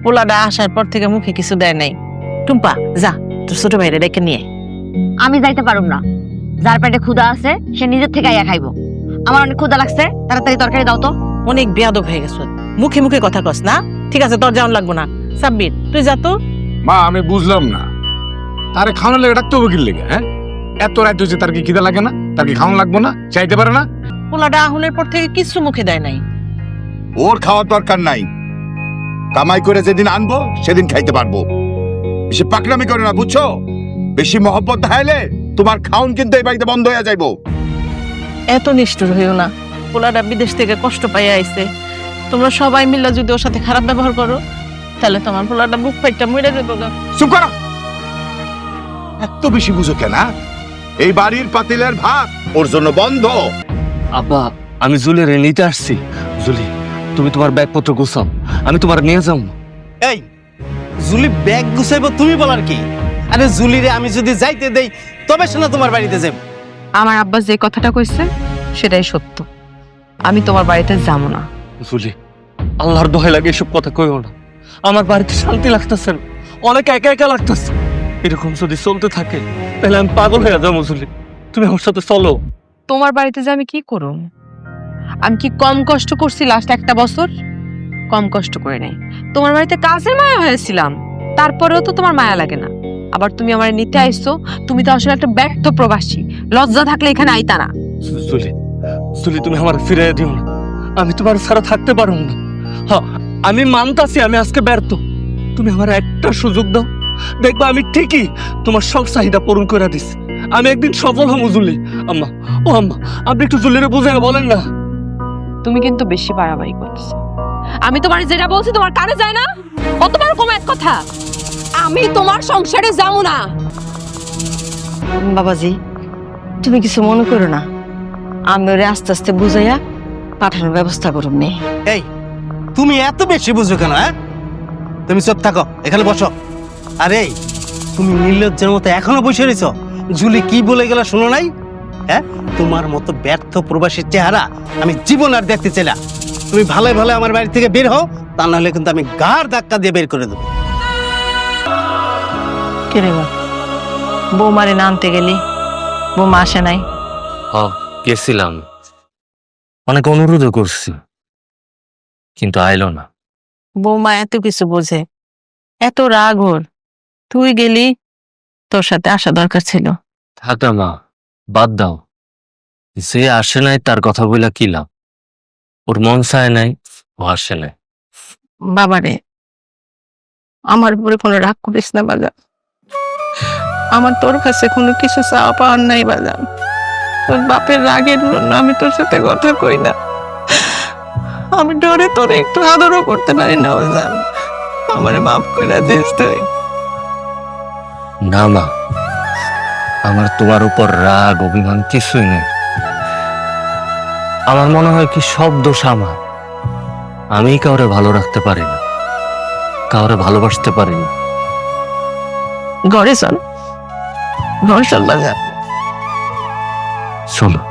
পোলাটা আসার পর থেকে মুখে কিছু দেয় নাই। টুম্পা যা তোর ছোট ভাইরে ডেকে নিয়ে। আমি যাইতে পারুম না। যার পেটে ক্ষুধা আছে সে নিজের থেকে আইয়া খাইবো। আমার অনেক ক্ষুধা লাগছে, তাড়াতাড়ি তরকারি দাও তো। অনেক বেয়াদব হয়ে গেছ, মুখে মুখে কথা কস না। ঠিক আছে তোর যাওয়ান লাগবো না। সাব্বির তুই যা তো। মা আমি বুঝলাম না, তারে খাওয়ানো লেগে ডাকতে হবে কি লেগে? হ্যাঁ, এত রাত হয়েছে, তার কি খিদা লাগে না? তার কি খাওয়ানো লাগবো না? চাইতে পারে না? পোলাটা আহুনের পর থেকে কিছু মুখে দেয় নাই। ওর খাওয়ার দরকার নাই, কামাই করে যেদিন আনবো সেদিন খাইতে পারবো। বেশি পাকড়ামি করে না, বুঝছো? বেশি মহব্বত দেখাইলে তোমার খাউন কিন্তু এই বাড়িতে বন্ধ হয়ে যাইবো। এত নিষ্ঠুর হইও না। পোলাটা বিদেশ থেকে কষ্ট পাইয়া আইছে, তোমরা সবাই মিলে যদি ওর সাথে খারাপ ব্যবহার করো তাহলে তোমার পোলাটা বুক ফাইটটা মরে যাবে। চুপ করো, এত বেশি বুঝো কেন? এই বাড়ির পাতিলের ভাত ওর জন্য বন্ধ। আব্বা আমি জুলিরে নিতে আসছি। জুলি তুমি তোমার ব্যাগপত্র গুছাও, আমি তোমার নিয়ে যাও। এই জুলি ব্যাগ গুছাইবো তুমি বলার কি? আরে জুলিরে আমি যদি যাইতে দেই তবে সে না তোমার বাড়িতে যাব। আমার আব্বা যে কথাটা কইছে সেটাই সত্য। আমি তোমার বাড়িতে যাবো না। জুলি আল্লাহর দোহাই লাগে এসব কথা কইও না। আমার বাড়িতে শান্তি লাগতেছে না, অনেক একা একা লাগতেছে। এরকম যদি চলতে থাকে তাহলে আমি পাগল হয়ে যাবো। জুলি তুমি আমার সাথে চলো। তোমার বাড়িতে যে আমি কি করব? আমি কি কম কষ্ট করছি লাস্ট একটা বছর? কম কষ্ট করে নাই। তোমার বাড়িতে কাজের মায়া হয়েছিলাম, তারপরেও তো তোমার মায়া লাগে না। আবার তুমি আমার নিতে আইছো, তুমি তো আসলে একটা ব্যর্থ প্রবাসী। লজ্জা থাকলে এখানে আইতা না। জুলি জুলি তুমি আমার ফিরে দিও না, আমি তোমার ছাড়া থাকতে পারবো না। হ্যাঁ আমি মানতাছি আমি আজকে ব্যর্থ, তুমি আমার একটা সুযোগ দাও, দেখবা আমি ঠিকই তোমার সব চাহিদা পূরণ করে দিস। আমি একদিন সফল হবো। জুলি আম্মা, ও আম্মা আপনি একটু জুলিরে বুঝে বলেন না। তুমি কিন্তু বেশি বাড়াবাড়ি করছো। আমি তোমার যেটা বলছি তোমার কানে যায় না? কতবার কম এক কথা, আমি তোমার সংসারে যাবো না। বাবাজি তুমি কিছু মনে করো না, আমি ওরে আস্তে আস্তে বুঝাইয়া পাঠানোর ব্যবস্থা করুম নে। এই তুমি এত বেশি বুঝো কেন? হ্যাঁ তুমি চুপ থাকো, এখানে বসো। আরে তুমি নির্লজ্জের মতো এখনো বসে রয়েছো। জুলি কি বলে গেল শোনো নাই? হ্যাঁ তোমার মতো ব্যর্থ প্রবাসীর চেহারা আমি জীবন আর দেখতে চাই না। তুমি ভালো ভালো আমার বাড়ি থেকে বের হও, তা নাহলে কিন্তু আমি গাড় ধাক্কা দিয়ে বের করে দেবো। কে রে বাপ, বৌমারে না আনতে গেলি, বৌমা আসে নাই? গেছিলাম, অনেক অনুরোধও করছি কিন্তু আইলো না। বৌমা এত কিছু বোঝে, এত রাগ ওর, তুই গেলি, তোর সাথে আসা দরকার ছিল। থাকা মা বাদ দাও, যে আসে নাই তার কথা বইলা কি লাভ? ওর মন চায় নাই, ও আসে নাই। বাবারে আমার উপরে কোনো রাগ করিস না বাজান, আমার তোর কাছে কোনো কিছু চাওয়া পাওয়ার নাই বাজান। তোর বাপের রাগের জন্য আমি তোর সাথে কথা কই না, আমি ডরে তোর একটু আদরও করতে পারি না বাজান, আমারে মাফ করে দিস তুই। না মা, আমার তোমার উপর রাগ অভিমান কিছুই নেই। আমার মনে হয় কি সব দোষ আমার, আমি কাউরে ভালো রাখতে পারি না, কাউরে ভালোবাসতে পারি না। ঘরে চল, ঘর চল বাজান। চলো।